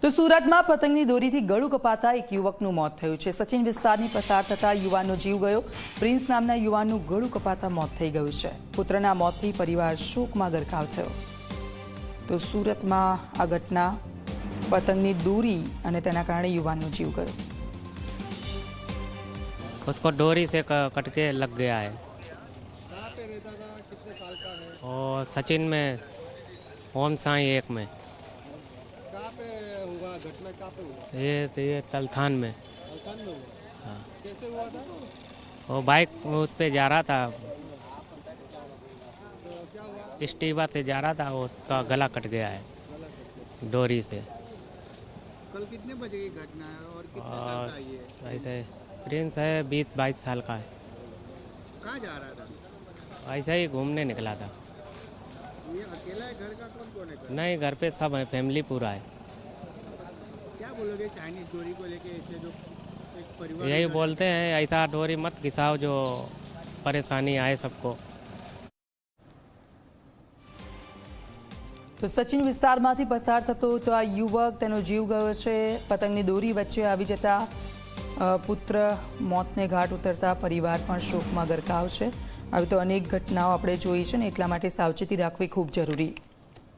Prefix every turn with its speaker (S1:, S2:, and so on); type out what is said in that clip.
S1: તો સુરતમાં પતંગની દોરીથી ગળું કપાતા એક યુવકનું મોત થયું છે। સચિન વિસ્તારની પસાર થતા યુવાનનો જીવ ગયો। પ્રિન્સ નામના યુવાનનું ગળું કપાતા મોત થઈ ગયું છે। પુત્રના મોતથી પરિવાર શોકમાં ગરકાવ થયો। તો સુરતમાં આ ઘટના પતંગની દોરી અને તેના કારણે યુવાનનો જીવ ગયો।
S2: उसको डोरी से कट के लग गया है।
S3: कहाँ पे रहता था, कितने साल का है?
S2: और सचिन में ओम साई एक में
S3: कहाँ पे हुआ घटना, कहाँ पे हुआ?
S2: ये तलथान में।
S3: अल्कान में हुआ?
S2: हाँ,
S3: कैसे हुआ था?
S2: वो बाइक उस पे जा रहा था,
S3: तो क्या हुआ?
S2: स्टीवा से जा रहा था, उसका गला कट गया है डोरी से।
S3: कल कितने बजे की घटना है और कितने साल का ये है?
S2: ऐसे प्रिंस है 20-22 साल का है।
S3: कहाँ जा रहा था?
S2: ऐसे ही घूमने निकला था।
S3: ये अकेला है, घर का कौन कौन है?
S2: नहीं, घर पे सब है, फैमिली पूरा है।
S3: क्या बोलोगे चाइनीज डोरी को लेके, ऐसे जो एक परिवार
S2: यही बोलते हैं ऐसा डोरी मत घिसाओ जो परेशानी आए सबको।
S1: તો સચિન વિસ્તારમાંથી પસાર થતો તો આ યુવક તેનો જીવ ગયો છે। પતંગની દોરી વચ્ચે આવી જતા પુત્ર મોતને ઘાટ ઉતરતા પરિવાર પણ શોકમાં ગરકાવ છે। આવી તો અનેક ઘટનાઓ આપણે જોઈ છે ને એટલા માટે સાવચેતી રાખવી ખૂબ જરૂરી